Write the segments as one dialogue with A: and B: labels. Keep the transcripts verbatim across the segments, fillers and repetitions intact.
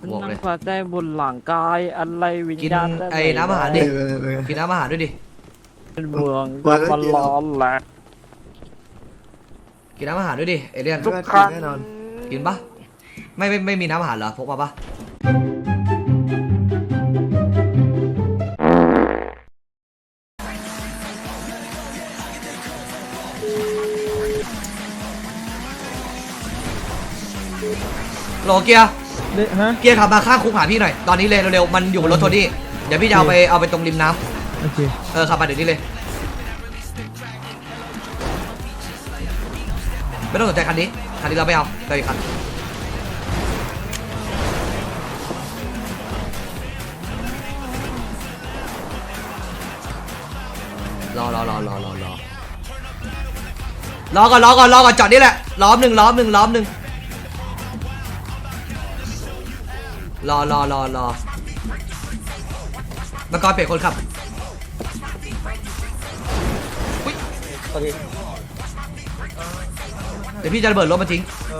A: บอกเลย
B: พอใจบุญหลังกายอะไรวิญ
A: กิน
B: ญาณ
A: ไอ้น้ำอาหารดิ
C: เออเออ
A: กินน้ำอาหารด้วยดิ
B: เป็นเมือง
C: วันละ
B: มัน
C: กี่
B: ร้อนแหละ
A: กินน้ำอาหารด้วยดิเอเลียน
C: ทุกครั้งแน่นอน
A: กินปะไม่ไม่ไม่มีน้ำอาหารเหรอพกมาปะโหลเกียร์
B: เด็ฮะ
A: เกียร์ขับมาข้างคุกหาพี่หน่อยตอนนี้เลยเร็วๆมันอยู่บนรถโทนี่เดี๋ยวพี่จะเอาไปเอาไปตรงริมน้
B: โอเค
A: ำเออขับมาเดี๋ยวนี้เลยไม่ต้องสนใจคันนี้คันนี้เราไม่เอาไปอีกคันรอรอรอรอรอรอรอก่อนรอก่อนรอก่อนจอดนี่แหละล้อมหนึ่งล้อมหนึ่งล้อมหนึ่งรอรอรอรอมากรเปลี่ยนคนขับอุ๊ยเดี๋ยวพี่จะระเบิดรถมาทิ้ง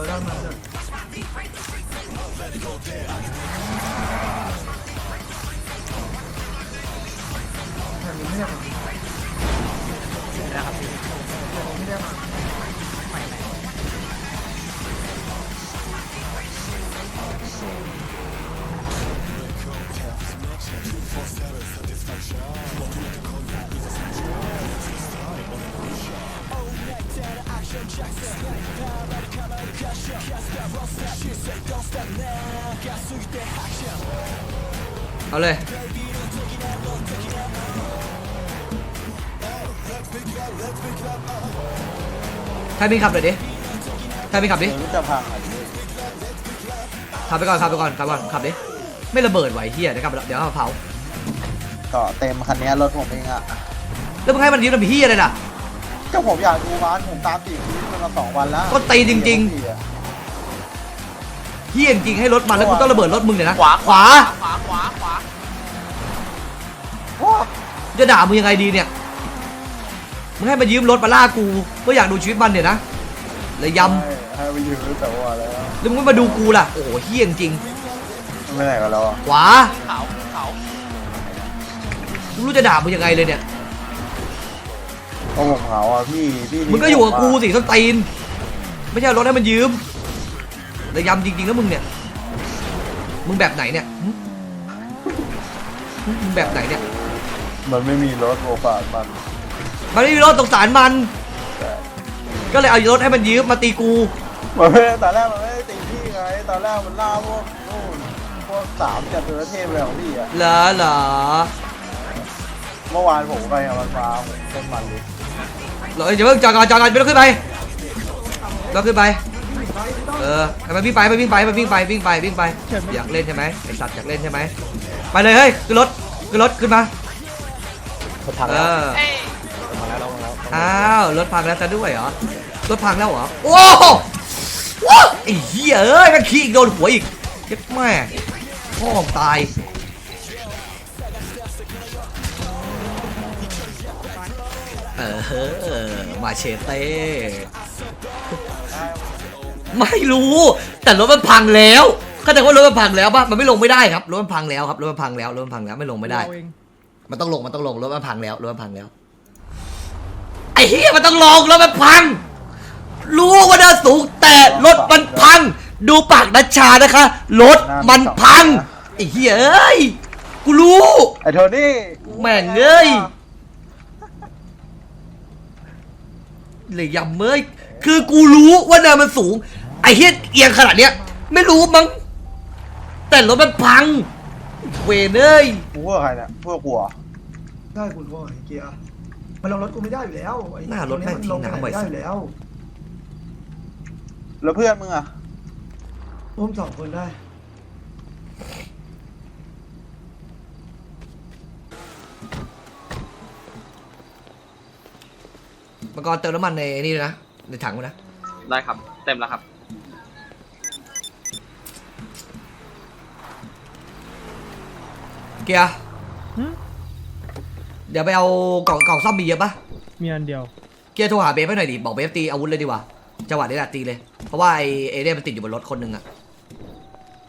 A: เอาเลยใครมีขับหน่อยดิใครมีขับดิ
D: จะพังอ่ะ
A: ขับไปก่อนขับไปก่อนขับก่อนขับดิไม่ระเบิดไหวเฮียเดี๋ยวขับเดี๋ยวเอามาเผา
D: ก็เต็มคันนี้รถผมเองอ่ะ
A: แล้วมึงให้มันยืมทำเฮียอะไรล่ะ
D: ก็ผมอยากดูร้านผมตามติดมันมาสองวันแล้ว
A: ก็ตีจริงๆ เฮียจริงๆให้รถมันแล้วกูต้องระเบิดรถมึงเนี่ยนะขวาขวา
E: ขวาขวาขวา
D: ว้า
A: จะด่ามึงยังไงดีเนี่ยมึงให้มายืมรถมาล่ากูก็อยากดูชีวิตมันเนี่ยนะเลยย
D: ให้ไปยืมแต่ว่าแล้ว
A: ำแล้วมึงไม่มาดูกูล่ะโอ้โหเฮียจริง
D: ไม่ไหนกันแล้ว
A: ขวา
E: เขาเขา
A: กูรู้จะด่ามึงยังไงเลยเนี่ย
D: ก็ผมเหงาอ่ะพี่พี่
A: มึงก็อยู่กับกูสิส้นตีนไม่ใช่เอารถให้มันยืมเลยยำจริงๆแล้วมึงเนี่ยมึงแบบไหนเนี่ยหึหึมึงแบบไหนเนี่ย
D: มันไม่มีรถโอกาสมัน
A: มันไม่มีรถสงสารมัน ก็เลยเอารถให้มันยืมมาตีกู
D: มันไม่ตอนแรกมันไม่ได้ตีพี่ไงตอนแรกมันล่าพวกนู่นพวกสามจัตุรเทพอะไรของพี่อ่ะ
A: เหรอเหรอ
D: เมื่อวานผมไปกับมันมาผมเต้นมันเลย
A: เหรออย่าเพิ่งจอดก่อนจอดก่อนไม่ต้องขึ้นไปไม่ต้องขึ้นไปเออให้มันวิ่งไปมันวิ่งไปมันวิ่งไปวิ่งไปวิ่งไปอยากเล่นใช่ไหมไอสัตว์อยากเล่นใช่ไหมไปเลยเฮ้ยขึ้นรถขึ้นรถขึ้นมาเออ
E: เอ้ย
A: อ้าวรถพังแล้วซะด้วยเหรอรถพังแล้วเหรอโอ้โหว้าไอ้เหี้ยเอ้ยมันขี้อีกโดนหัวอีกเจ็บแม่พ่อตายเออมาเชเต้ไม่รู้แต่รถมันพังแล้วเข้าใจว่ารถมันพังแล้วป่ะมันไม่ลงไม่ได้ครับรถมันพังแล้วครับรถมันพังแล้วรถมันพังแล้วไม่ลงไม่ได้มันต้องลงมันต้องลงรถมันพังแล้วรถมันพังแล้วไอ้เหี้ยมันต้องลงรถมันพังรู้ว่าด้านสูงแต่รถมันพังดูปากนัชชานะคะรถมันพังไอ้เหี้ยเอ้ยกูรู้
D: ไอ้โทนี่
A: แม่งเอ้ยเลยยำเมยคือกูรู้ว่าเนินมันสูงไอ้เหี้ยเอียงขนาดเนี้ยไม่รู้มั้งแต่รถมันพังเวเนย
D: กูว่าใครเนี่ยพวกกูอ่ะ
C: ได้คุณว่าไอ้เกียร์มันลงรถกูไม่ได้อยู่แล้วไอ้
A: หน้ารถแม่งทิ้งน้ำไว้
C: ได้
A: สั
C: อ
A: ส
C: ยู่แล้ว
D: แล้วเพื่อนมึงอ่ะ
C: ร่วมสองคนได้
A: มังกรเติมน้ำมันในนี่ด้วยนะในถังมันนะ
E: ได้ครับ เต็มแล้วครับ
A: เกียร์เดี๋ยวไปเอากล่องกล่องซ่อมมีเยอะปะ
B: มีอันเดียว
A: เกียร์โทรหาเบฟให้หน่อยดิบอกเบฟตีอาวุธเลยดีกว่าจังหวะนี้แหละตีเลยเพราะว่าไอเอเดนมันติดอยู่บนรถคนหนึ่งอะ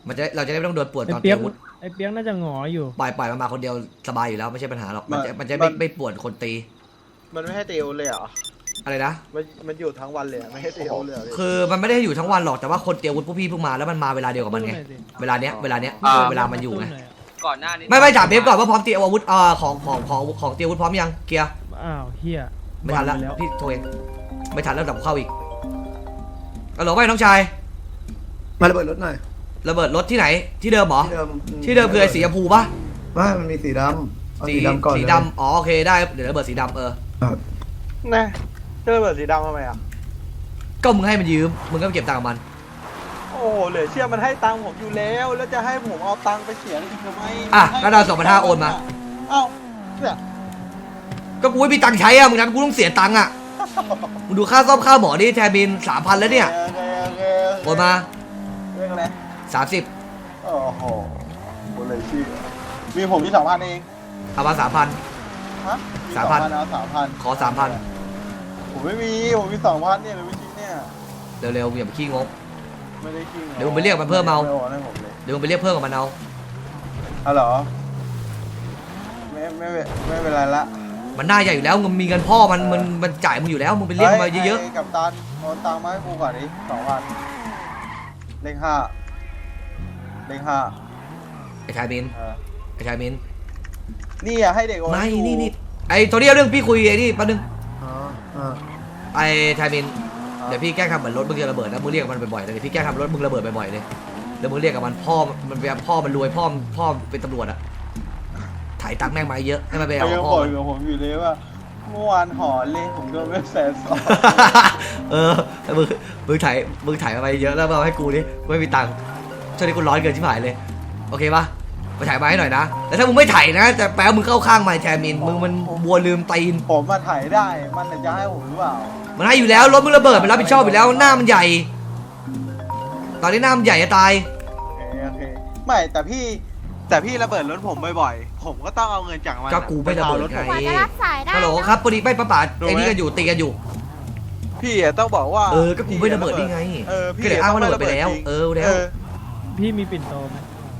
A: มันจะเราจะได้ไม่ต้องโดนปวด
B: ไอ้
A: ตอน
B: เปี
A: เตรี
B: ย
A: ย
B: ก
A: มอาวุธ
B: ไอ้เปียกน่าจะหงออยู่
A: ปล่อยปล่อยมันมาคนเดียวสบายอยู่แล้วไม่ใช่ปัญหาหรอกมันจะมันจะไม่ไม่ปวดคนตี
D: มันไม่ให้ตีอาวุธเลยเหรอ
A: อะไรนะ
D: มันมันอยู่ทั้งวันเลยอะไม่ให้ตีอาวุธเลยเหรอพี่
A: คือมันไม่ได้อยู่ทั้งวันหรอกแต่ว่าคนเตรียมอาวุธพวกพี่เพิ่งมาแล้วมันมาเวลาเดียวกับมันไงเวลาเนี้ยเวลาเนี้ยเวลามันอยู่ไง
E: ก่อนหน้านี้
A: ไม่ไม่ถามเบฟก่อนว่าพร้อมเตรียมอาวุธอ่าของของของของเตรียมอาวุธพร้อมยังเกียร์
B: อ้าวเฮีย
A: ไม่ทันแล้ว
B: บังป
A: พี่โทรเองไม่ทันแล้วดับเข้าอีกเอาหรอไม่น้องชาย
C: มาระเบิดรถหน่อย
A: ระเบิดรถที่ไหนที่เดิมเหรอ
C: ที่เดิม
A: ที่เดิมคือไอ้สีชมพูปะ
C: ไม่มันมีสีดำเอา
A: สี
C: สีดำก่อน
A: สี
C: เลย
A: ดำอ๋อโอเคได้เดี๋ยวระเบิดสีดำเออ
C: ครับ
D: แน่เจอเบิดสีดำทำไมอ่ะ
A: ก็มึงให้มันยืมมึงก็ไปเก็บตังค์กับมัน
D: โอ้โหเหลือเชื่อมันให้ตังค์ผมอยู่แล้ว แล้วจะให้ผมเอาตังค์ไปเสียอีกทำไม
A: อ่ะก็เราสองพันห้าโอนมา
D: เอ้าเนี่ย
A: ก็กูไม่มีตังค์ใช้อะมึงนั้นกูต้องเสียตังค์อะมึงดูค่าซ่อมค่าหมอนี่แทนบินสามพันแล้วเนี่ย
D: โอเคโอเค
A: โอนมา
D: เรื่องอะไร
A: สามสิบ
D: โอ้โหกูเลยชื่อมีผมมีสองพันเอง
A: เอามาสามพัน
D: ฮะ
A: สามพัน
D: เอาสามพัน
A: ขอสามพัน
D: ผมไม่มีผมมีสองพันเนี่ยเลยไม่จริงเนี่ย
A: เร็วๆอย่าไปขี้งก
D: ไม่ได้คิง
A: เดี๋ยวผมไปเรียกมันเพิ่มเอา
D: ไโอนให้ผมเลย
A: เดี๋ยวมึงไปเรียกเพิ่มกับมันเอา
D: ฮัลโหลไม่ไม่ไม่ไม่เป็นไรละ
A: มันหน้าใหญ่อยู่แล้วมึงมีเงินพ่อมันมันมันจ่ายมึงอยู่แล้วมึงไปเรียกมันมาเยอะ
D: ฮ้กับตันโอนตังค์มาให้กูก่อนดิสองพันเลขห้าเลขห้า
A: ๆไอ้ชายมิน
D: เออ
A: ไอ้ชายมิน
D: นี่อะให้เด็กโอน
A: ไม่
D: ให้กู
A: นี่นี่ไอ้โทนี่เอาเรื่องพี่คุยไอ้นี่แป๊บนึง
C: อ๋ออ่า
A: ไอ้ชายมินเดี๋ยวพี่แกล้งทำเหมือนรถมึงจะระเบิดนะมึงเรียกมันบ่อยๆเลยเดี๋ยวพี่แกล้งทำรถมึงระเบิดบ่อยๆเลยแล้วมึงเรียกกับมันพ่อมันเป็นพ่อมันรวยพ่อพ่อเป็นตำรวจอะถ่ายตังค์แม่งมาเยอะให้มันไป
D: เขา
A: เอา
D: ยัง
A: พ่
D: บ
A: อ
D: อกอยู่กับผมอยู่เลยว่าเมื่อวานหอเลยผมโดนไปแสนสอง
A: เออมึงมึงถ่ายมึงถ่ายมาเยอะแล้วมาให้กูดิไม่มีตังค์ช่วงนี้กูร้อนเกินชิบหายเลยโอเคปะไปถ่ายมาให้หน่อยนะแต่ถ้ามึงไม่ถ่ายนะจะแปลว่ามึงเข้าข้างมาแทมินมึงมันบัวลืมตีน
D: ผมมาถ่ายได้มันจะให้ผมหรือเปล่า
A: มันให้อยู่แล้วรถมึงระเบิดมันรับผิดชอบอยู่แล้วหน้ามันใหญ่ ตอนนี้หน้ามันใหญ่จะตาย
D: โอเคโอเคไม่แต่พี่แต่พี่ระเบิดรถผมบ่อยๆผมก็ต้องเอาเงินจากมัน
A: ก็กูไม่ระเบิดไง
F: กว่าจะรับสายได้
A: ฮัลโหล
F: เนอะ
A: ครับพอดีไม่ป้าป๋าไอ้นี่กันอยู่ตีกันอยู่
D: พี่อะต้องบอกว่า
A: เออก็กูไม่ระเบิดนี่ไง
D: เออพี่
A: ก็เลยอ้างว่าระเบิดไปแล้ว
D: จริง
A: เออแล้ว
B: พี่มีปิ่นโตไหม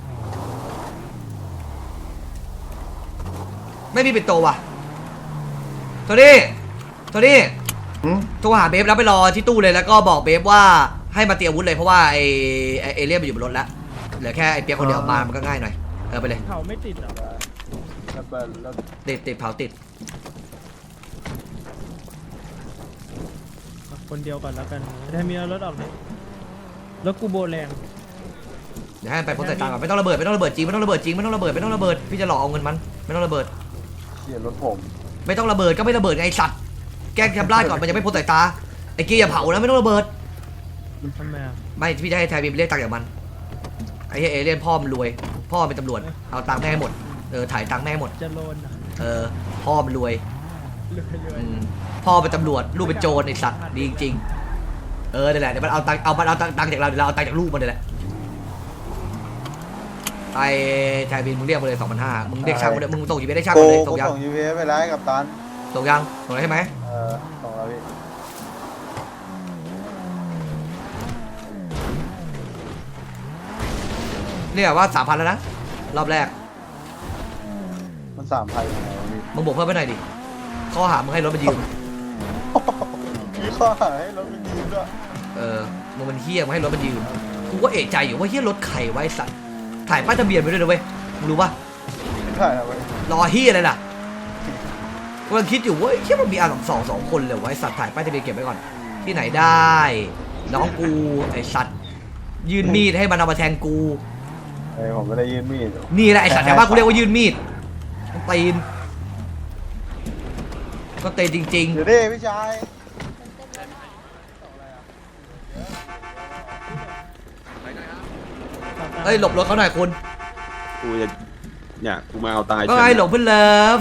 A: ไม่มีปิดโตว่ะโทนี่โทนี่
C: อืม
A: โทรหาเบฟแล้วไปรอที่ตู้เลยแล้วก็บอกเบฟว่าให้มาเตรียมอาวุธเลยเพราะว่าไอไอ้เอเลี่ยนมันอยู่บนรถแล้วเหลือแค่ไอเปียกคนเดียวมามันก็ง่ายหน่อยเออไปเลย
B: เขาไม่ติดเหรอ
D: ระเบิดระ
A: ติดติดเผาติด
B: คนเดียวก่อนแล้วกันถ้ามีเอารถออกเลยรถกูโบแรง
A: เดี๋ยวให้มันไปพ้นสายตาก่อนไม่ต้องระเบิดไม่ต้องระเบิดจริงไม่ต้องระเบิดจริงไม่ต้องระเบิดไม่ต้องระเบิดพี่จะหลอกเอาเงินมันไม่ต้องระเบิด
D: เขียนรถผม
A: ไม่ต้องระเบิดก็ไม่ระเบิดไงไอ้สัตว์แกล้งทำลายก่อนมันยังไม่พ้นสายตาไอ้เกียร์อย่าเผานะไม่ต้องระเบิด
B: ทำไมอ่ะ
A: ไม่พี่จะให้ไทยบีมเรียกตังค์จากมันไอ้เหี้ยเอเลี่ยนพ่อมันรวย พ่อมันเป็นตำรวจเอาตังค์แม่ให้หมดเออถ่ายตังค์แม่ให้หมด
B: จะโลนอ่ะ
A: เออพ่อมันรวย
B: รวยรวย
A: อืมพ่อเป็นตำรวจลูกเป็นโจรไอ้สัตว์ดีจริงๆเออนี่นแหละเดี๋ยวมันเอาตังค์เอามันเอาตังค์จากเราเดี๋ยวเราเอาตังค์จากลูกมันนี่แหละไอ้ไทยบีมมึงเรียกมาเลยสองพันห้ามึงเรียกช่างมาเลยมึงส่งจีเได้ช่าง
D: กู
A: มาเลย
D: กู
A: ส่งยัง
D: ส่ง ยู พี เอสไปแล้วให้กับตัน
A: ส่งยังส่งแล้วใช่ไหม
D: เออส่งแล้วพี่
A: เนี่ยว่าสามพันแล้วนะรอบแรก
D: มันสามพันยังไงวะพี่
A: มึงบวกเพิ่มไปหน่อยดิข้อหามึงให้รถมันยืม
D: มีข้อหาให้รถมันยืมด้วย
A: เออมึงมันเฮี้ยมึงให้รถมันยืมกูก็เอะใจอยู่ว่าเฮี้ยรถใครไวะไอ้สัตว์ถ่ายป้ายทะเบียนไปด้วยนะเว้ยมึงรู้ปะ
D: ใช่ครับเว้ย
A: รอเฮี้ยอะไรล่ะกำลังคิดอยู่ว่าเฮี้ยมันมีอาสองสองสองคนเลยไวะไอ้สัตว์ถ่ายป้ายทะเบียนเก็บไว้ก่อนที่ไหนได้น้องกูไอ้สัตว์ยื่นมีดให้มันเอามาแทงกู
D: เอ้ยผมไม่ได้ยืนมีด
A: นี่แหละไอ้สัตว์แต่ว่ากูเรียกว่ายื่นมีดตีนก็เตะจริง
D: เดี๋ยวดิพี่ชาย
A: ๆเอ้ยหลบรถเขาหน่อยคุณ
G: กูจะเนี่ยกูมาเอาตาย
A: ก็ไงหลบเพื่อนเลิฟ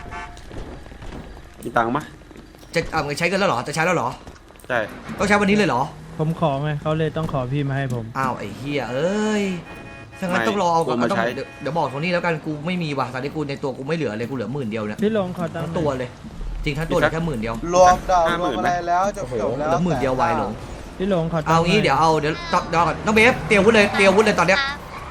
G: มีตังค์มะ
A: จะเอาไงใช้กันแล้วเหรอจะใช้แล้วเหรอ
G: ใช่
A: ต้องใช้วันนี้เลยเหรอ
B: ผมขอไงเขาเลยต้องขอพี่มาให้ผม
A: อ้าวไอ้เฮียเอ้ยถ้างั้นต้องรอเอาก่อนต้องเดี๋ยวเดี๋ยวบอกโทนี่แล้วกันกูไม่มีว่ะตอนนี้กูในตัวกูไม่เหลือเลยกูเหลือหมื่นเดียวเนี่ย
B: พี่ลงขอตัง
A: ทั้ง
B: ค์
A: ตัวเลย จริงทั้งตัวเหลือแค่หมื่นเดียว
D: รวมดาวรวมอะไรแล้วจบจบแล้ว
A: เหลือหมื่นเดียววายหลง
B: พี่ลงขอตังค์
A: เอางี้เดี๋ยวเอาเดี๋ยวเดี๋ยวก่อนน้องเบฟเตรียมอาวุธเลยเตรียมอาวุธเลยตอนเนี้ย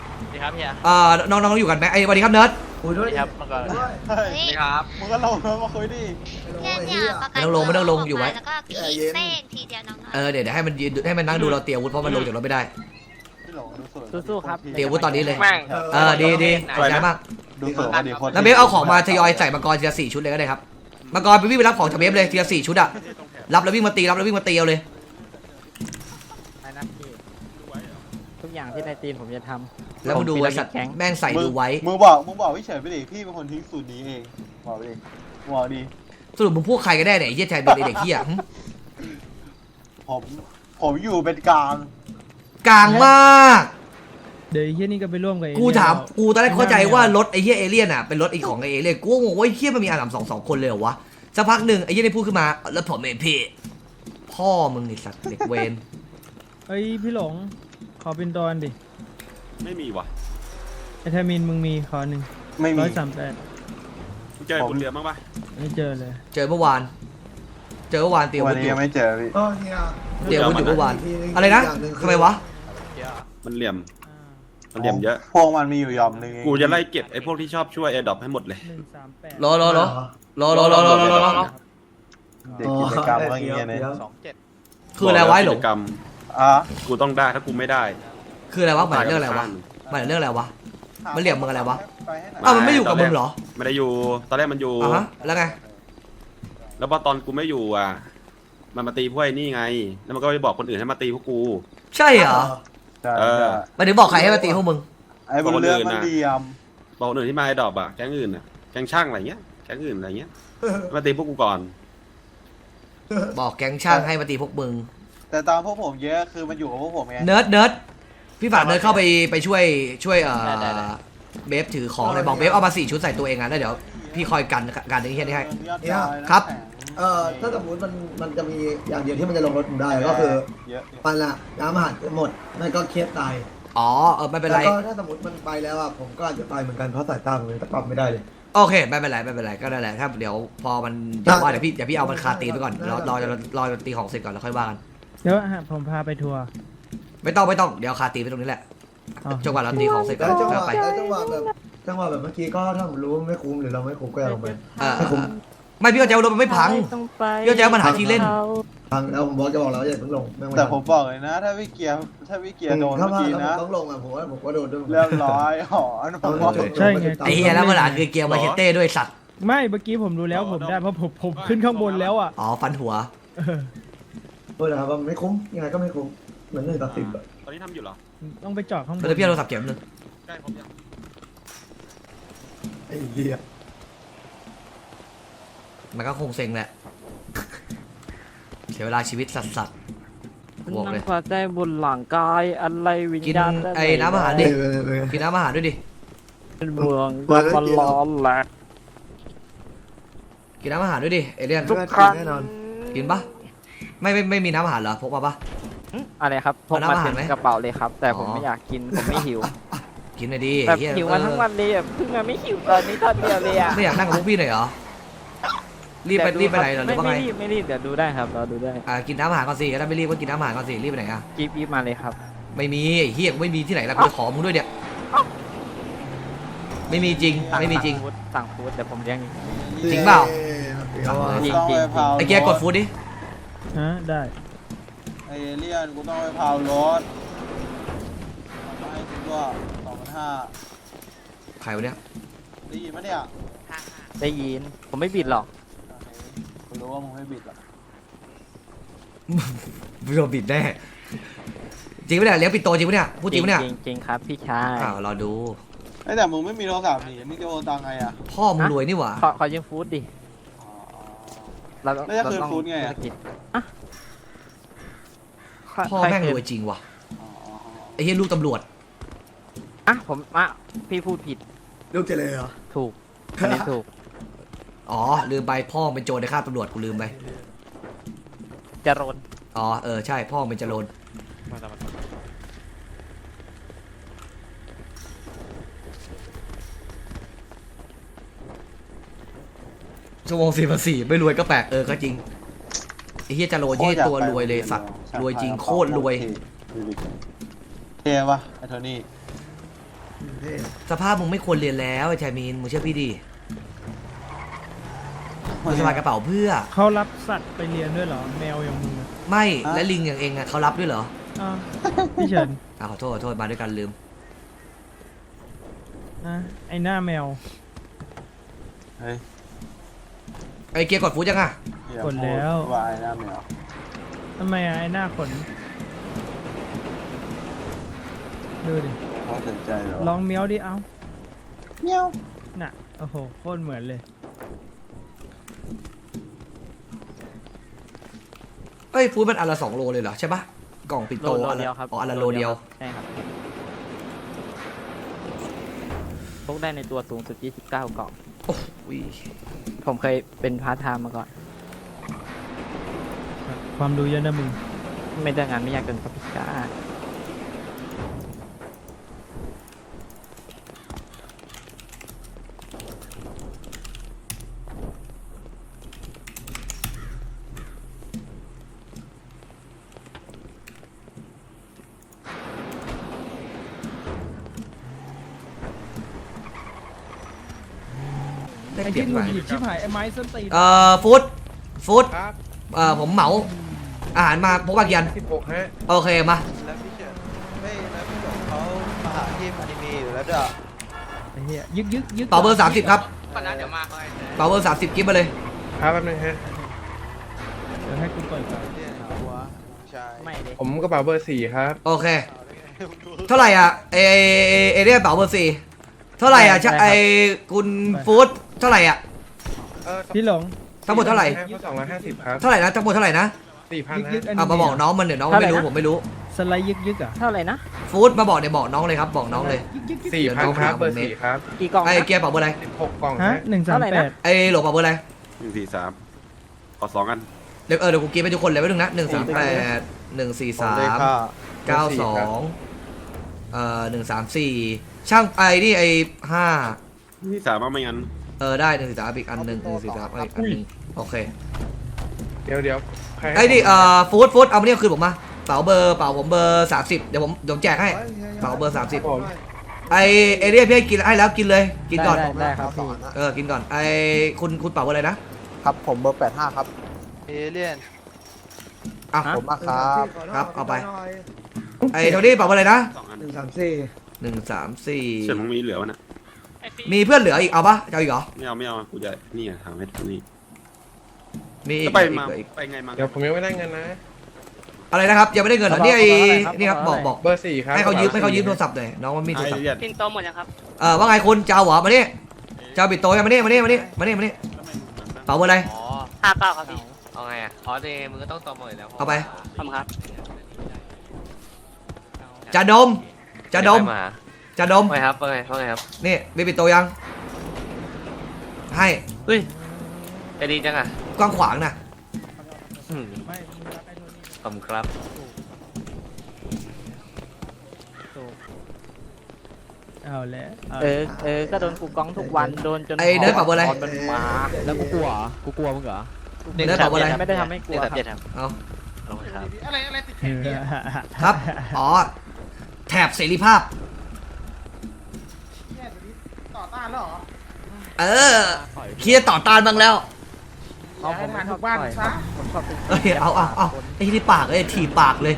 E: ครับเฮีย
A: เอ่อน้องน้องอยู่กันไหมไอ้สวัสดีครับเนิร์ด
C: คุยด้วย
E: ครับมาก่อน
C: ด้วย
D: เฮ้ย
E: สวัสดีครับ
D: มึงก็ลงแล้วมาคุยดิ
F: เนี่ยเนี่ยประกัน
A: ไม่ต้องลงไม่ต้องลงอยู่ไว้
F: แล้วก็ขีดเป้งทีเดียวน้อง
A: เออเดี๋ยวเดี๋ยวให้มันยืนให้มันนั่งดูเราเตรียมอาวุธเพราะมันลงจากรถไม่ได้
D: พี่หลงดูสวย
B: สู้ๆครับ
A: เตรียมอาวุธตอนนี้เลย
E: แม่ง
A: เออดีดีขอบใจมาก
D: ดูสวยว่าดีคน
A: แล้วเบฟเอาของมาทยอยใส่มังกรทีละสี่ชุดเลยก็ได้ครับมังกรไปวิ่งไปรับของจากเบฟเลยทีละสี่ชุดอะรับแล้ววิ่งมาตีรับแล้ววิ่งมาตีเอาเลย
B: ไปนะพี่ทุกอย่างที่ในทีมผมจะทำ
A: แล้วมาดูไอ้สัตว์
B: แข็ง
A: แม่งใส่ดูไว้
D: มึงบอกมึงบอกพี่เฉยไปดิพี่เป็นคนทิ้งสูตรนี้เองบอกไปดิบอกดิ
A: สรุปมึงพวกใครกันแน่เนี่ยไอ้เหี้ยชายเป็นไอ้เด็กเหี้ยหึ
D: ผมผมอยู่เป็นกลาง
A: กลางมาก
B: เดี๋ยวไอ้เฮียนี่ก็ไปร่วมกับเอ
A: กูถาม
B: เลี่ยน
A: กูตอนแรกเข้าใจว่ารถไอ้เหี้ยเอเลี่ยนอ่ะเป็นรถไอ้ของไอ้เอเลี่ยนกูก็งงว่าไอ้เหี้ยมันมีอาสามสองสองคนเลยเหรอวะสักพักหนึ่งไอ้เหี้ยได้พูดขึ้นมาแล้วผมเองพี่พ่อมึงไอ้สัตว์เด็กเวร
B: เอ้ยพี่หลงขอเป็นตอนดิ
G: ไม่มีว่ะ
B: ไอทามินมึงมีขอหนึ่ง
D: ไม่มี
B: ร้อยสามแปด
G: มึงเจอไอ้บนเรือบ้างปะ
B: ไม่เจอเลย
A: เจอเมื่อวาน เจอเมื่อวานเตรียม
D: วั
A: วุ
D: น
A: ธอ
D: นี้
A: ยู่
D: ยังไม่เจอพี่
C: เออเนี่ย
A: เตรียมวุธอยู่เมื่อวานอะไรนะทำไมวะ
G: มันเหลี่ยมมันเหลี่ยมเยอะ
D: พวกมันมีอยู่ยอมนึง
G: กูจะไล่เก็บไอ้พวกที่ชอบช่วยแอร์ดรอปให้หมดเลย
B: หนึ่งสามแปด
A: รอรอรอรอรอรอรอรอรอรอ
D: เด็กกิจกรรมอะไรอย่างเงี้ยเนี่ย
E: สองเจ็ด
A: คืออะไรวะไอ้หลง
G: กิจกรรม
D: อ่ะ
G: กูต้องได้ถ้ากูไม่ได้
A: คืออะไรวะหมายถึงเรื่องอะไรวะหมายถึงเรื่องอะไรวะ มันเหลี่ยมมึงอะไรวะ อ้าวมันไม่อยู่กับมึงเหรอ
G: ไม่ได้อยู่ตอนแรกมันอยู่
A: อ่ะฮะแล้วไง
G: แล้วพอตอนกูไม่อยู่อ่ะมันมาตีพวกไอ้นี่ไง แล้วมันก็ไปบอกคนอื่นให้มาตีพวกกู
A: ใช่เหรอ
D: ใช่
G: เออ
A: หมายถึงบอกใครให้มาตีพวกมึง
D: ไอ้บนเรือมันเดียม
G: บอกคนอื่นที่มาไอ้ดรอปอ่ะแก๊งอื่นอ่ะแก๊งช่างอะไรเงี้ยแก๊งอื่นอะไรเงี้ยมาตีพวกกูก่อน
A: บอกแก๊งช่างให้มาตีพวกมึง
D: แต่ตอนพวกผมเยอะคือมันอยู่กับพวกผมไง
A: เนิร์ดเนิร์ดพี่ฝากเนิร์ดเข้าไปไปช่วยช่วยเอ่อเบฟถือของเลยบอกเบฟเอามาสี่ชุดใส่ตัวเองอ่ะแล้วเดี๋ยวพี่คอยกันกันไอ้เหี้ยนี่ให้ ครับ
C: เออถ้าสมมติมันมันจะมีอย่างเดียวที่มันจะลงรถผมได้ก็คือ
D: เยอะ
C: มันอะน้ำอาหารหมดมันก็เครียดตาย
A: อ๋อเออไม่เป็น
C: แล้
A: ไร
C: วก็ถ้าสมมติมันไปแล้วอะผมก็อาจจะตายเหมือนกันเพราะสายตาผมยังปรับไม่ได้เลย
A: โอเคไม่เป็นไรไม่เป็นไรก็ได้แหละถ้าเดี๋ยวพอมันเดี๋ยวว่าเดี๋ยวพี่เดี๋ยวพี่เอามันคาตีนไปก่อนรอรอรอรอตีของเสร็จก่อนแล้วค่อยว่ากัน
B: เดี๋ยวฮะผมพาไปทัวร์
A: ไม่ต้องไม่ต้องเดี๋ยวคาตีนไปตรงนี้แหละ
B: อ๋อ
A: จนกว่าเราตีของเสร็จก่อน
C: แล้วจังห
A: ก็
C: วะ
A: ไป
C: แล้วจังหวะแบบจังหวะแบบเมื่อกี้ก็ถ้าผมรู้ว่าไม่คุ้มหรือเราไม่คุ้มก็อย่าลงไป
A: เออ
C: ไม่คุ้ม
A: ไม่พี่ก็จะเอารถมันไม่พังพี่ก็จะเอามันหาที่เล่น
C: ทางแล้วผมบอกจะบอกแล้วอย่าเพิ่งลงไม่ไหว
D: แต่ผมบอกเลยนะ ถ้าพี่เกียร์ถ้าพี่เกียร์โดน
C: ถ้า
D: เมื่อ
C: ว่า
D: กี้
C: แล้ว
D: นะ
C: ผมต้องลงอะผมว่าผมก็โดนด้วย
D: เรียบร้อยหอนผมบอก
B: ใช่ไง
A: ไอ้เหี้ยแล้วมันหาคือเกียร์มาเชเต้ด้วยสัตว์
B: ไม่เมื่อกี้ผมรู้แล้วผมได้เพราะผมผมขึ้นข้างบนแล้วอ่ะ
A: อ๋อฟันหัว
B: เออ
C: พูดนะครับว่าไม่คุ้มยังไงก็ไม่คุ้มเหมือนหนึ่งต่อสิบอะ
G: ตอนนี้ทำอยู่เหรอ
B: ต้องไปจอดข้างบน
A: แล้วพี่เอาโทรศัพท์เก็บนึง
G: ใกล้ผมยัง
C: ไอ้เหี้ย
A: มันก็คงเซ็งแหละเสียเวลาชีวิตสัตว์สัตว์บอกเลย
H: นั่งฟ้าใจบนหลังกายอะไรวิญ
A: กิน
H: ญาณ
A: ไอ้น้ำอาหารดิ
C: เออเออ
A: กินน้ำอาหารด้วยดิ
H: เป็นเมือง
C: มาแล้ว
H: มันร้อนแหละ
A: กินน้ำอาหารด้วยดิเอเลียน
C: ทุกครั้งแน่นอน
A: กินปะไม่ไม่ไม่มีน้ำอาหารเหรอพกมาปะ
H: อะไรครับพก
A: เอา
H: มา
A: น้ำอาหาร
H: เต็ม
A: ไหม
H: กระเป๋าเลยครับ แต่ผม
A: อ๋อ
H: ไม่อยากกินผมไม่หิว
A: กินหน่อยดิ
H: แบบ
A: เหี้ย
H: หิวมาทั้งวันเลยอ่ะเพิ่งมาไม่หิวตอนนี้ตอนเดียวเลยอ่ะ
A: ไม่อยากนั่งกับพวกพี่หน่อยเหรอรีบไป
H: เดี๋ยว
A: รีบไปไหน
H: ค
A: เหร
H: รั
A: อบ หรือว่า
H: ไม่
A: ไง
H: ไม่รีบไม่รีบเดี๋ยวดูได้ครับรอดูได้
A: อ่ากินน้ำอาหารก่อนสิถ้าไม่รีบก็กินน้ำอาหารก่อนสิรีบไปไหนอ่ะ
H: กีบกีบมาเลยครับ
A: ไม่มีไอ้เฮียกูไม่มีที่ไหนแล้วกูจะขอมึงด้วยเนี่ยไม่มีจริง
H: สั่ง
A: ไม่มีจริง
H: สั่งฟู้ดสั่งฟู้ดเดี๋ยวผมเลี้ยง
A: จริงเปล่า
C: เอาอะ
H: จริง
D: ต้องไปเผา
A: ไอ้เกียร์กดฟูดดิ
B: ฮะได้
D: ไอเอเลี่ยนกูต้องไปเผารถมันมาให้กูก็สองพันห้า
A: ใครวะเนี่ย
D: ได้ยินไหมเนี่ย
H: ได้ยินผมไม่บิดหรอก
D: กูรู้ว่ามึงไม่บิดหรอก
A: มึงโดนบิดแน่จริงปะเนี่ยเลี้ยงปิดโตจริงปะเนี่ยพูดจริงปะเนี่ย
H: จริงจริงครับพี่ชาย
A: อ้าวรอดู
D: ไอยแต่มึงไม่มีโทรศัพท์นี่มึงจะโอนตังค์ไงอ่ะ
A: พ่อมึงรวยนี่หว่า
H: ขอขอยืมฟู้ดดิเรา
D: แล้วจะคืนฟู้ดไงอะ
H: ธุรกิจอ่ะ
A: พ่อแม่งรวยจริงว่ะ
D: อ๋อ
A: ไอ้เฮียลูกตำรวจ
H: อ่ะผมอ่ะพี่พูดผิด
C: ลูกเจเลยเหรอ
H: ถูกอันนี้ถูก
A: อ๋อลืมไปพ่อมึงเป็นโจรในค่าบตำรวจกูลืมไป
H: จรน
A: อ๋อเออใช่พ่อมึงเป็นโจรชั่วโมงสี่พันสี่ไม่รวยก็แปลกเออก็จริงไอ้เฮียจาโรเย่ตัวรวยเลยสัตว์รวยจริงโคตรรวย
D: เท่ปะไอโทนี่
C: เเท่
A: สภาพมึงไม่ควรเรียนแล้วไอ้ชายมีนมึงเชื่อพี่ดิมึงสบายกระเป๋าเพื่อ
I: เขารับสัตว์ไปเรียนด้วยเหรอ แมวอย่างมึงอะ
A: ไม่และลิงอย่างเองอะเขารับด้วยเหรอ
I: อ้าวพี่เฉิน
A: อ่ะขอโทษขอโทษมาด้วยกันลืม
I: อ่ะไอหน้าแมว
D: เฮ้ย
A: ไอ้เกียร์กดฟูดยังอะ
D: อย่า
I: กดแล้ว
D: พูดวายหน้าแมว
I: ทำไมอะไอหน้าขนดูดิ
D: เขาสนใจเหรอ
I: ลองเมียวดิเอ้า
D: เมียว
I: น่ะโอ้โหโคตรเหมือนเลย
A: เอ้ยฟูดมันอันละสองโลเลยเหรอใช่ปะกล่องปิด
H: โล
A: โต
H: โล
A: อัน
H: เดียว
A: ละ
H: ครับ
A: อ๋ออันละโลเดียว
H: ใช่ครับพกได้ในตัวสูงสุดยี่สิบเก้ากล่อง
A: โอ้ย
H: ผมเคยเป็นพาร์ทไทม์มาก่อน
I: ความรู้เยอะนะมึง
H: ไม่ได้งานไม่ยากเกินครับพี่ก้า
A: ได้
I: ไอ้
A: เปรีย
I: ที่
A: บ
I: ห
A: ห
I: งุ
A: น่อย
I: ดหงิดชิบหายไอ้ไม้ส้นตีน
A: เอ่อฟูดฟูดเอ่อผมเหมาอาหารมาพกบาเกียน
D: สิบหกฮะ
A: โอเคมา
D: แล้วพี่เฉินไม่แล้วพี่เฉินเขามาหาทีมอนิเมะอยู่แล้วด้วย
I: ไอ้เหี้ยยึกยึกยึก
A: เป่าเบอร์สามสิบครับ
E: ก่อนนะเดี๋ยวมา
A: เป่าเบอร์สามสิบกิฟต์มาเลย
D: ครับแป๊บนึงฮะ
I: เดี๋ยวให้กูเปิดก่อน
D: เรียนหาหัวใช่
H: ไม่เลย
D: ผมกระเป๋าเบอร์สี่ครับ
A: โอเค เท่าไหร่อ่ะเอเอเอเอเรียกเป่าเบอร์สี่เท่าไหร่อ่ะใช่ไอคุณฟูดเท่าไหร่อ่ะ
D: เออ
I: พี่หลง
A: ทั้งหมดเท่าไหร่
D: สองร้อยห้าสิบครับ
A: เท่าไหร่นะทั้งหมดเท่าไหร่นะ
D: สี่พัน
I: ยึกยึก
D: ฮะ
I: อัน
A: อ่ะ
I: นี้
A: มาบอกน้องมันเดี๋ยวน้องไม่รู้ผมไม่รู้
I: สไลด์ยึกยึกอ่ะ
H: เท่าไหร่นะ
A: ฟูดมาบอกเดี๋ยวบอกน้องเลยครับบอกน้องเลย
I: ยึกยึกยึก
D: สี่พันครับเบอร์สี่ครับ
H: กี่กล่อง
A: ไอ
H: นะ
A: เกียร์เป่าเบอร์อะไร
D: สิบหกกล่อง
I: ฮะ
D: ฮะ
I: หนึ่งสาม
H: เท่าไหร่
I: แป
H: นะ
I: ด
A: ไอโหลเป่าเบอร์อะไร
G: หนึ่งสี่สามขอสองกัน
A: เดี๋ยวเออเดี๋ยวกูกินไปทุกคนเลยไว้นึงนะหนึ่งสามแปดหนึ่งสี่สามเก้าสองเอ่อหนึ่งสามสี่ช่างไอ้นี่ไอ้ห้า
G: ที่สามว่าไม่งั้น
A: เออได้หนึ่งสี่สามอีกอันหนึ่งหนึ่งสี่สามอีกอันหนึ่งโอเค
D: เดี๋ยวเดี๋ยวใคร
A: ไอ้นี่เอ่อฟู้ดฟู้ดเอามาเนี่ยคืนผมมาเป๋าเบอร์เป๋าผมเบอร์สามสิบเดี๋ยวผมเดี๋ยวผมแจกให้เป๋าเบอร์สามสิบ
D: ผม
A: ไอเอเรียพี่ให้กินให้แล้วกินเลยกินก่อน
H: ได้ได้ครับพี่
A: เออกินก่อนไอคุณคุณเป๋าเบอร์อะไรนะครับ
D: ผมเบอร์แปดห้าครับเอเลียน
A: อ่ะ
H: ฮะ
D: ผมมาครับ
A: ครับเอาไป ไอโทนี่เป๋าเบอร์อะไรนะ
G: สองอัน
C: หนึ่งสามสี่
A: หนึ่งสามสี่
G: เฉินมึงมีเหลือวะนะ
A: มีเพื่อนเหลืออีกเอาปะจะเอาอีกเหรอ
G: ไม่เอาไม่เอากูจะนี่อะทำให้ตรงนี้
A: มีอี
G: แล้
A: ก
G: วไป
A: อีก
G: มา
A: อีก
G: ไปไงมา
D: เดี๋ยวผมยังไม่ได้เงินนะ
A: อะไรนะครับยังไม่ได้เงินเหรอนี่ไอนี่ครับบอกบอก
D: เบอร์สี่ครับ
A: ให้เขายืมให้เขายืมโทรศัพท์หน่อยน้องมันมีโทร
G: ไอ้
A: ศัพท์
G: เรียน
E: ปินโตหมดยังครับ
A: เออว่าไงคุณจะเอาเหรอมานี่จะเอาบิดโตยังมานี่มานี่มานี่มานี่มานี่เป๋าเบอร์อะไร
E: อ๋อห้าเก้าครับพี่ เอาไงอ่ะ อ๋อเดมึงก็ต้องโตหมดอยู่แล้ว
A: เอาไป
E: ทำครับ
A: จะดมจะดม
E: มา
A: จะดม
E: ว่าไงครับว่าไงว่าไงครับ
A: นี่มีบิดโตยัง ให้
E: เฮ้ยจะดีจังอ่ะ
A: กว้างขวางนะ
E: อืม
I: ไม่มึงรักไอ้โทนี่
E: ขอบคุณครับ
I: เอาแล้วา
H: เออเออก็โดนกูกล้องทุกวันโดนจน
A: ไอ้เนิร์ดเป๋าเบอร์อะไร
H: ตอนมันมาแล้วกูกลัวเหรอกูกลัวมึงเหรอ
A: เนิร์ดเป๋าเบอร์อะไร
H: ไม่ได้ทำให้กลัว
E: หนึ่งสามเจ็ดครับ
A: เอา
E: ขอบคุณครับ
A: ครับ อ๋อ แถบเสรีภาพ
D: ต่อต้านแล้วเหรอ
A: เออ เคลียร์ต่อต้านบ้างแล้ว
H: เอาผมไม่ชอบต่อยผมชอบเป็น
A: เอ้ย เอาเอาเอาไอ้ที่ปากเอ้ยถีบปากเลย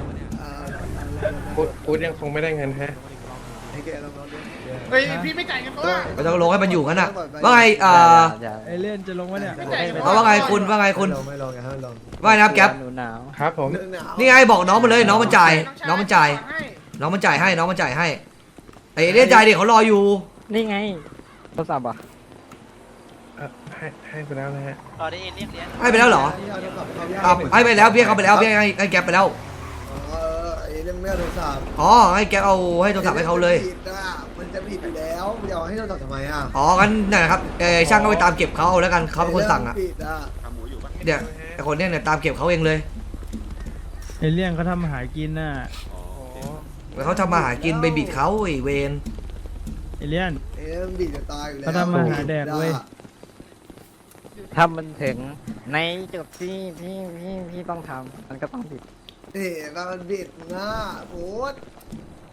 D: กูกูยังคงไม่ได้เงินฮะ
C: ไอ้แกลองลองดู
D: เฮ้ยพี่ไม่จ่ายเงินตัว
A: ไม่ต้องลงให้มันอยู่งั้นน่ะ ว่าไงเอ่อ
H: อย่า
I: ไอเล่นจะลงวะเนี่ย
A: เอาว่าไงคุณว่าไงคุณ
C: ไม่ลองไม่ลองอย่าให้มันลอง
A: ว่าไงนะครับแก๊ป
H: หนูหนาว
D: ครับผม
C: เรื่องหนาว
A: นี่ไงบอกน้องมันเลย น้องมันจ่าย น้องมันจ่าย น้องมันจ่ายให้ น้องมันจ่ายให้ ไอ้เรียกจ่ายดิเขารออยู่
H: นี่ไงโทรศัพท์อ่ะ
D: เอ่อให้ให้ไปแล้วนะฮะ
E: ต่อได้ยินเรียกเรียน
A: ให้ไปแล้วเหรอ
C: นี่เอาโทรศัพท์เขา
A: อ่ะให้ไปแล้วเบี้ยเขาไปแล้วเบี้ยให้ให้แก๊ปไปแล้ว
C: เออไอ้เรื่องไม่เอาโทรศัพท์
A: อ๋อ ให้แก๊ปเอาให้โทรศัพท์ให้เขาเลย
C: ผิดอ่ะมันจะผิดอยู่แล้วมึงจะเอาให้โทรศัพท์ทำไมอ่ะ
A: อ๋องั้นนั่นนะครับเออช่างก็ไปตามเก็บเขาเอาแล้วกันเขาเป็นคนสั่งอ่ะ
C: ผิดอ่ะ
G: ทำหมูอยู่ปะ
A: เดี๋ยวไอ้คนเนี้ยเนี่ยตามเก็บเขาเองเลย
I: ไอเลี่ยนเขาทำอาหารกินน่ะ
G: อ๋อโอเค
A: เขาทำมาหากินไปบิดเขาไอ้เวน
I: ไอเลี่ยน
C: ไอ้เรื่องผิดจะตายอยู่แล้ว
I: เขาทำมาหาแดกเว้ย
H: ถ้ามันถึงในจุดที่พี่พี่พี่ต้องทำมันก็ต้องผิด
C: นี่มันผิดนะโอ๊ต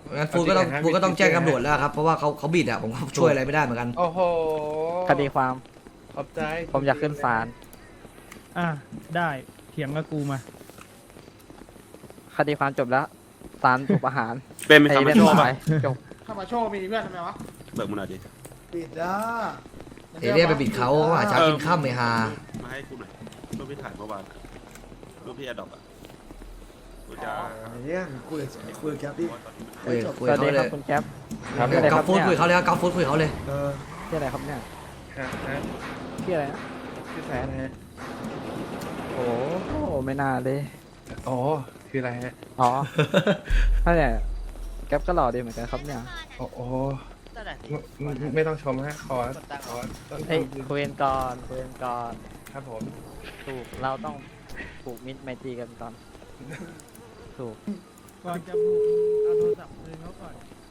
A: งั้นฟูดก็ต้องฟูดก็ต้องแจ้งตำรวจแล้วครับเพราะว่าเขาเขาบิดอะผมก็ช่วยอะไรไม่ได้เหมือนกัน
D: โอ้โห
B: คดีความ
D: ขอบใจ
B: ผมอยากขึ้นศาล
I: อ่ะได้เถียงกับกูมา
B: คดีความจบแล้วศาลถูกประหาร
G: เป็นเป็น
B: ไอ้
G: คำ
B: เรื่
G: ไม่
B: อง
G: ชอบ
B: ตา
G: ป่ะ
B: ยจบ
D: เข้ามาโชว์มีเพื่อนทำไมวะ
G: เบิกมึงหน่อยดิ
C: ปิดอ่ะ
A: เอเลี่ยนไปบิดเขาหาเช้ากินข้ามไม่ฮา
G: มาให้กูหน่อยรูปพี่ถ่ายเมื่อวานรูปพี่แอดดอกอ่ะกูจะ
C: เนี่ยคุยคุยกับแก๊ปดิ
A: คุยคุย
B: สวัส
A: เขา
B: ดีค
A: เล
B: รับ
A: ย
B: คุณแก๊ป
A: กราฟฟูดคุยเขาเลยกราฟฟูดคุยเขาเลย
C: เออ
B: ชื่ออะไรครับเนี่ย
D: ฮะฮะ
B: ชื่ออะไรนะ
D: ชื่อแฟนฮะ
B: โอ้โหไม่น่าเลย
D: อ๋อคืออะไรฮะ
B: อ๋อถ้าเนี่ยแก๊ปก็หล่อดีเหมือนกันครับเนี่ย
D: โอ้โหไม่ไม่ต้องชมฮะขอขอต้น
B: เฮ้ยคุยกันก่อนคุยกันก่อน
D: ครับผม
B: ถูกเราต้องผูกมิตรไมตรีกันก่อนถูก
I: ก่อนจะบุกเอาโทรศัพท์คืนเขาก่อน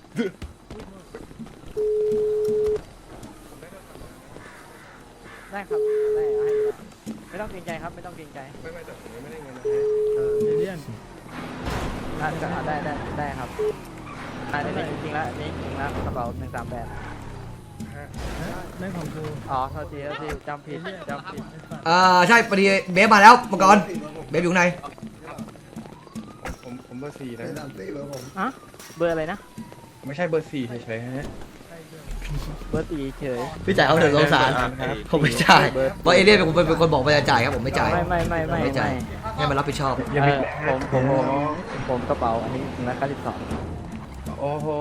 B: ได้ครับได้ให้อยู่แล้วไม่ต้องเกรงใจครับไม่ต้องเกรงใจ
D: ไม่ไม่แต่ผมยังไม่ได้เงินนะฮะ
I: เอเลี่ยน
B: ได้ได้ได้ได้ได้ครับได้ได้จริงๆแล้วอันนี้จริงแล้วกระเป๋าหนึ่งสามแปด
I: นั่นของกู
B: อ๋อโทษทีโทษทีจำผิดจำผิด
A: เอ่อใช่พอดีเบฟมาแล้วมังกรเบฟอยู่ข้างใน
D: ผมผมเบอร์สี่
C: เป็
D: นะ
C: นสามสี่เบอร์ผม
B: อะเบอร์อะไรนะ
D: ไม่ใช่เบอร์สี่เฉยๆฮะ
B: เบอร์ตีเฉย
A: พี่จ่ายเขาเถอะสงสารผมไม่จ่ายเพราะเอเลี่ยนเป็นคนเป็นคนบอกว่าจะจ่ายครับผมไม่จ่าย
B: ไม่ไม่ไม่ไม่
A: ไม่จ่าย
B: ไม่
A: ให้มันรับผิดชอบ
B: เออผมผมผมผมกระเป๋าอันนี้หนึ่งร้อยเก้าสิบสอง
D: โอ้โห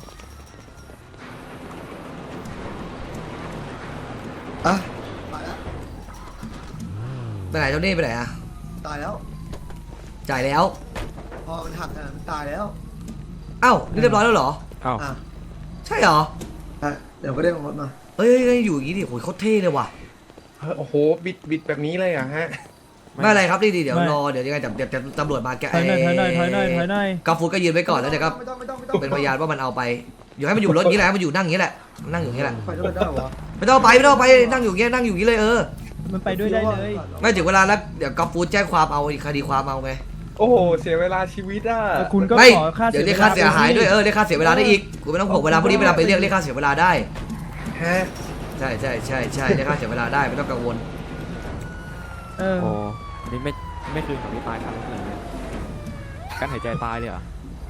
C: อ่ะตายแล้ว
A: ไปไหนเจ้านี่ไปไหนอะ
C: ตายแล้ว
A: จ่ายแล้ว
C: พอมันหักอ่ะมันตายแล้ว
A: เอ้านี่เรียบร้อยแล้วเหรอ
B: อ้าว
C: อ่ะ
A: ใช่เหรอ
C: อ่ะเดี๋ยวก็ได้ของรถมา
A: เฮ้ยเฮ้ยเฮ้ยอยู่อย่างนี้ดิโหยโคตรเท่เลยว่ะ
D: เฮ้ยโอ้โหบิดบิดแบบนี้เลยเหรอ่ะฮะ
A: ไม่อะไรครับดีดีเดี๋ยวรอเดี๋ยวยังไงเดี๋ยวเดี๋ยวจะตำรวจมาแก
I: ถอยหน่อยถอยหน่อยถอยหน่อยถอยหน่อย
A: กาฟูดก็ยืนไว้ก่อนแล้วเดี๋ยวก็
C: ไม่ต้องไม่ต้องไม่ต้อง
A: เป็นพยานว่ามันเอาไปอยู่ให้มันอยู่รถนี้แหละให้มันอยู่นั่งอย่างนี้แหละมันนั่งอยู่อย่างนี้แหละ
C: ไปด้วยได้เหรอ
A: ไม่ต้องเอาไปไม่ต้องเอาไปนั่งอยู่อย่างนี้นั่งอยู่อย่างนี้เลยเออ
I: มันไปด้วยได้เลย
A: ไม่ถึงเวลาแล้วเดี๋ยวกาฟูดแจ้งความเอาคดีความเอาไง
D: โอ้โหเสียเวลาชีวิตอ่ะ
I: แต่คุณก็
A: ไม่
I: ขอค่า
A: เดี๋
I: เสี
A: ย
I: ยว
A: เรียกค่าเสียหายด้วย
I: ไป
A: เออเรียกค่าเสียเวลาได้อีกกูไม่ต้องห่วงเวลาพวกนี้เวลาไปเรียกเรียกค่าเสียเวลาได้
D: ฮะ
A: ใช่ใช่ใช่ใช่เรียกค่าเสียเวลาได้ไม่ต้องกังวล
I: เออ
J: โอ้นี่ไม่ไม่คืนของพี่ปลายครับเลยการหายใจตายเลยเหรอ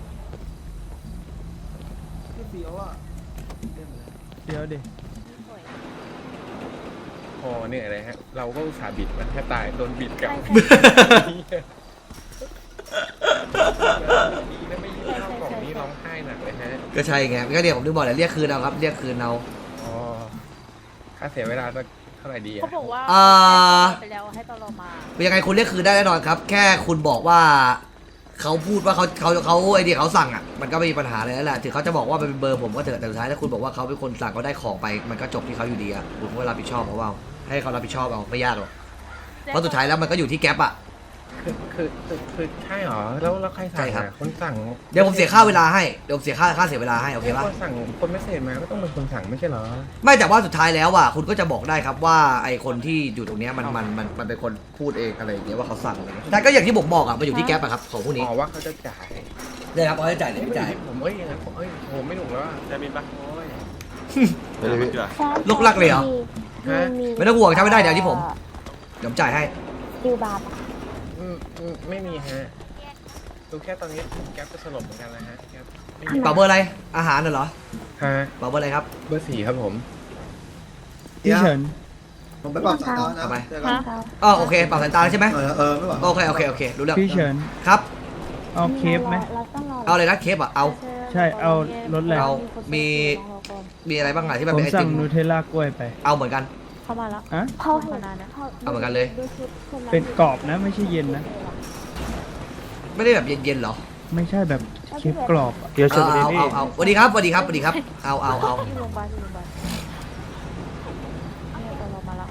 C: เสียวอ่ะ
I: เดี๋ยวดิ
D: พอเหนื่อยเลยฮะ เราก็อุตส่าห์บิดมันแทบตายโดนบิดกลับดีนะไม่ยืนเข้ากล่องนี้ร้องไห้หนักเลยฮะ
A: ก็ใช่ไงก็เดี๋ยวผมถึงบอกแหละเรียกคืนเอาครับเรียกคืนเอา
D: อ๋อค่าเสียเวลาสักเท่าไหร่ดี
F: เขา
D: อะ
F: บอกว่า
A: อ่า
F: ไปแล้วให้ตลอมา
A: ยังไงคุณเรียกคืนได้แน่นอนครับ แค่คุณบอกว่าเขาพูดว่าเขาเขาเขาไอ้ที่เขาสั่งอ่ะมันก็ไม่มีปัญหาเลยแล้วแหละถึงเขาจะบอกว่าเป็นเบอร์ผมก็เถอะแต่สุดท้ายถ้าคุณบอกว่าเขาเป็นคนสั่งเขาได้ของไปมันก็จบที่เขาอยู่ดีอ่ะคุณก็รับผิดชอบเขาเอาให้เขารับผิดชอบเอาไม่ยากหรอกเพราะสุดท้ายแล้วมันก็อยู่ที่แก๊ปอ่ะ
D: คือคือคือคือใช่เหรอ แล้วแล้วใครสั่
A: ใช่
D: ง
A: ครับ
D: อะคนสั่ง
A: เดี๋ยวผมเสียค่าเวลาให้เดี๋ยวผมเสียค่าค่าเสียเวลาให้โอเคปะ
D: คนสั่งคนไม่เสร็จมาก็ต้องเป็นคนสั่งไม่ใช่เหรอ
A: ไม่แต่ว่าสุดท้ายแล้วอ่ะคุณก็จะบอกได้ครับว่าไอคนที่อยู่ตรงเนี้ยมันมันมันมันเป็นคนพูดเองอะไรอย่างเงี้ยว่าเขาสั่งอะไรเงี้ยแต่ก็อย่างที่ผมบอกอ่ะมันอยู่ที่แก๊ปอะครับของพวกนี้
D: อ๋อว่าเขาจะจ่าย
A: เนี่ยครับเขาจะจ่ายหรือไม่จ่าย
D: ผมเอ้ยอย่างนั้นผมเอ้ยโหไม่หนุกแล้วอะ
G: จะมีปะ
D: โอ้ย
G: เดี๋ยวมันเกลือ
A: ลูกรักเลยเหรอ
D: ฮะ
A: ไม่ต้องห่วงทำไม่ได้เดี๋ยวที่ผมเดี๋ยวผมจ่ายให้
F: ดิวบาร์
D: อืมอืมไม่มีฮะดูแค่ตอนนี้แก๊ปจะสลบเหมือนกันนะฮะแก๊ปไม่มี
A: เป่าเบอร์อะไรอาหารน่ะเหรอ
D: ฮะ
A: เป่าเบอร์อะไรครับ
D: เบอร์สี่ครับผม
I: พี่เฉิน
C: ผมไปปรับสายตานะ
A: ทำไม
C: เจอกัน
A: อ๋อโอเคเป่าสายตาแล้วใช่ไหม
C: เออเออไม่หวัง
A: โอเคโอเคโอเครู้เรื่อง
I: พี่เฉิน
A: ครับ
I: เอาเคฟไหม
A: เอาเลยนะเคปอ่ะเอา
I: ใช่เอารถแหละ
A: เอามีมีอะไรบ้างอะที่มัน
I: ผม
A: เป็นไอ
I: สั่
A: ติ
I: ง
A: ม
I: นูเทลล่ากล้วยไป
A: เอาเหมือนกัน
F: เข้ามาแล้ว
I: อะ
F: เข้าเห็นนะ
A: เอาเหมือนกันเลย
I: เป็นกรอบนะไม่ใช่เย็นนะ
A: ไม่ได้แบบเย็นๆเหรอ
I: ไม่ใช่แบบเคฟกรอบอะ
J: เดี๋ยวเชิญ
A: เอา
J: ไป
A: เอา
J: นี่
A: เอาเอาสวัสดีครับสวัสดีครับสวัสดีครับเอาเอาเอา
F: ที่โรงพยาบาลที่โรงพยาบาลเนี่ยตลอมาแล้ว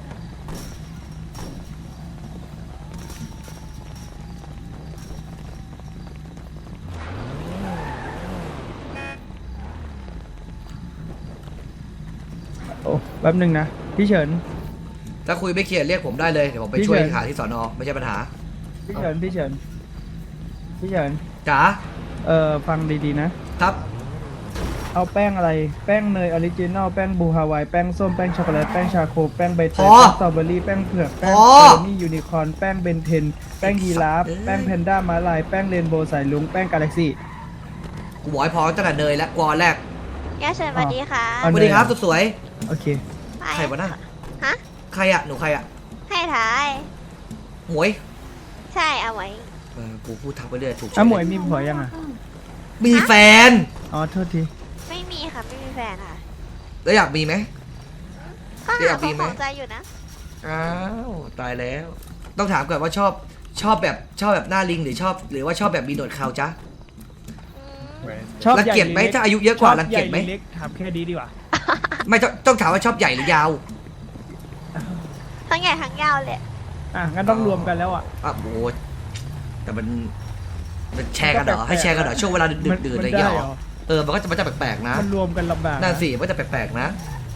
I: โอ้แป๊บหนึ่งนะพี่เฉิน
A: ถ้าคุยไม่เคลียร์เรียกผมได้เลยเดี๋ยวผมไป
I: พี่
A: ช่วย
I: เฉิน
A: หาที่สอนอไม่ใช่ปัญหา
I: พี่เฉินพี่เฉินพี่เฉิน
A: จ๋า
I: เอ่อฟังดีๆนะ
A: ครับ
I: เอาแป้งอะไร แป้งเนยออริจินอล แป้งบูฮาวาย แป้งส้ม แป้งช็อกโกแลต แป้งชาโค แป้งใบเตย
A: พอ
I: แป้งสตรอเบอรี่ แป้งเผือก แป้ง
A: พอ
I: เจอร์นี่ยูนิคอร์น แป้งเบนเทน แป้งยีราฟ แป้งแพนด้าม้าลาย แป้งเรนโบว์สายลุง แป้งกาแล็กซี่
A: กูบอกให้พอตั้งแต่เนยและกวอนแรก
F: ย่าเชิญสวัสดีค่ะ
I: อ๋อ
A: สวัสดีครับสุดสวย
I: โอเค
A: ใครวะน่ะ
F: ฮะ
A: ใครอะหนูใครอะ
F: ให้ถ่าย
A: หมวย
F: ใช่เอาไว้
A: เออกูพูดทักไปเรื่อยถูก
I: อ่ะหมวยมีผัวยังอ่ะ
A: มีแฟน
I: อ๋อ โทษที
F: ไม่มีค่ะไม่มีแฟนค่ะ
A: แล้วอยากมีไหม
F: ก็
A: อ
F: หาย
A: าก
F: ค
A: มี
F: น
A: ไหม
F: ของใจอยู่นะ
A: อ้าวตายแล้ว ต้องถามก่อนว่าชอบชอบแบบชอบแบบหน้าลิงหรือชอบ หรือว่าชอบแบบมีหนวดเขาจ๊ะ
F: อืม
I: ชอบ
A: รัง
I: ใหญ่
A: เกียจไหม
I: รือล็
A: ถ้าอายุเยอะกว่ารังเกียจไหม
I: ชอบใญ่รือเล็กถามแค่ดีดีกว่า
A: ไม่ต้องต้องถามว่าชอบใหญ่หรือยาว
F: ทั้งใหญ่ทั้งยาวเลย
I: อ่ะ งั้นต้องรวมกันแล้วอ่ะ
A: อ่ะโอ้ยแต่มันมันแชร์กันเหรอให้แชร์กันเหรอช่วงเวลาดึกๆดื่นๆอะไรอย่างเงี้ยเหรอเออมันก็จะมันจะแปลกๆนะ
I: มันรวมกันลำบาก
A: นั่นสิมันจะแปลกๆนะ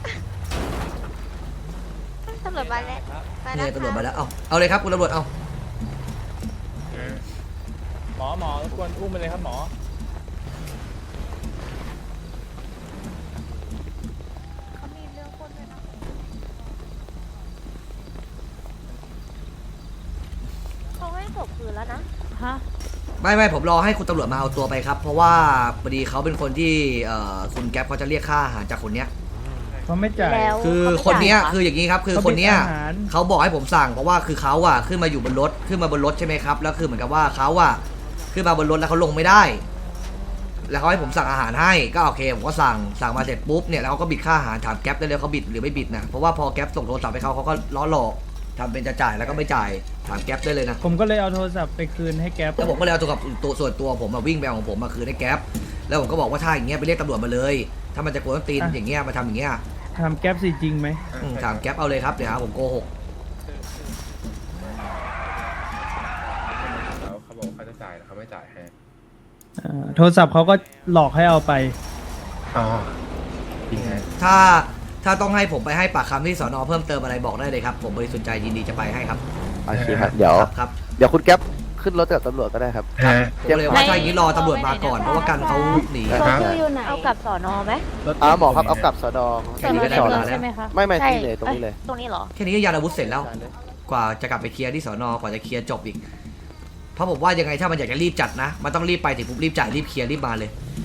F: ตำรวจมาแล้วมาแล้
A: เนี่
F: วย
A: ตำรวจมาแล้ว เอาเอาเลยครับคุณตำรวจ เอา
J: หมอหมอรบกวนอุ้มไปเลยครับหมอ
F: เขามีเรื่องคนด้วยนะเขาให้ศพคืนแล้วนะ
K: ฮะ
A: ไม่ไม่ผมรอให้คุณตำรวจมาเอาตัวไปครับ เพราะว่าพอดีเขาเป็นคนที่เอ่อคุณแก๊ปเขาจะเรียกค่าอาหารจากคนเนี้ย
I: เขาไม่จ่าย
K: แล้ว
A: คือ
K: เขาไม่
A: คนเนี้ย
K: จ่ายเหรอ
A: คืออย่างนี้ครับ คือ
I: เขา
A: คนเนี้ย
I: เป็นอาหาร
A: เขาบอกให้ผมสั่งเพราะว่าคือเขาอะขึ้นมาอยู่บนรถขึ้นมาบนรถใช่ไหมครับแล้วคือเหมือนกับว่าเขาอะขึ้นมาบนรถแล้วเขาลงไม่ได้ แล้วเขาให้ผมสั่งอาหารให้ก็โอเคผมก็สั่งสั่งมาเสร็จปุ๊บเนี่ยแล้วเขาก็บิดค่าอาหารถามแก๊ปได้เลยเขาบิดหรือไม่บิดนะเพราะว่าพอแก๊ปส่งโทรศัพท์ให้เขาเขาก็ล้อหลอกทำเป็นจะจ่ายแล้วก็ไม่จ่ายถามแก๊ปได้เลยนะ
I: ผมก็เลยเอาโทรศัพท์ไปคืนให้แก๊ป
A: แล้วผมก็เลยเอาตัวกับตัวส่วนตัวผมมาวิ่งไปเอาของผมมาคืนให้แก๊ปแล้วผมก็บอกว่าถ้าอย่างเงี้ยไปเรียกตำรวจมาเลย ถ้ามันจะกลัวต้องตีนอย่างเงี้ยมาทำอย่างเงี้ย
I: ทำแก๊ปสิจริงไหม
A: อืมถามแก๊ปเอาเลยครับเดี๋ยวหาผมโกหก
J: แล้วเขาบอกเขาจะจ่ายแล้วเขาไม่จ่ายให้
I: อ่าโทรศัพท์เขาก็หลอกให้เอาไป
J: อ๋อจริงไง
A: ถ้าถ้าต้องให้ผมไปให้ปากคำที่สอนอเพิ่มเติมอะไรบอกได้เลยครับผมบริสุทธิ์ใจยินดีจะไปให้ครับ
B: โอเคครับ เดี๋ยว
A: ครับครับ
B: เดี๋ยวคุณแก๊ปขึ้นรถกับตำรวจก็ได้ครับ
A: ผมเลยว่าถ้าอย่างนี้รอตำรวจมาก่อนเพราะว่ากันเขาหนี
B: ได้
K: ตัวชื่ออยู่ไหน เอากลับสอนอไหม
B: อ่าหมอครับ เอากลับสดอ
A: แค่นี้ก็ได้เวลาแล้ว
K: ใช่ไหมคะ
B: ไม่ไม่
K: ใช่
B: ที่เลยตรงนี้เลย
K: ตรงนี้เหรอ
A: แค่นี้ก็ยานอาวุธเสร็จแล้ว กว่าจะกลับไปเคลียร์ที่สอนอกว่าจะเคลียร์จบอีก เพราะผมว่ายังไงถ้ามันอยากจะรีบจัดนะ มันต้องรีบไปถึงปุ๊บรีบจ่ายรีบเคลียร์รีบมาเลย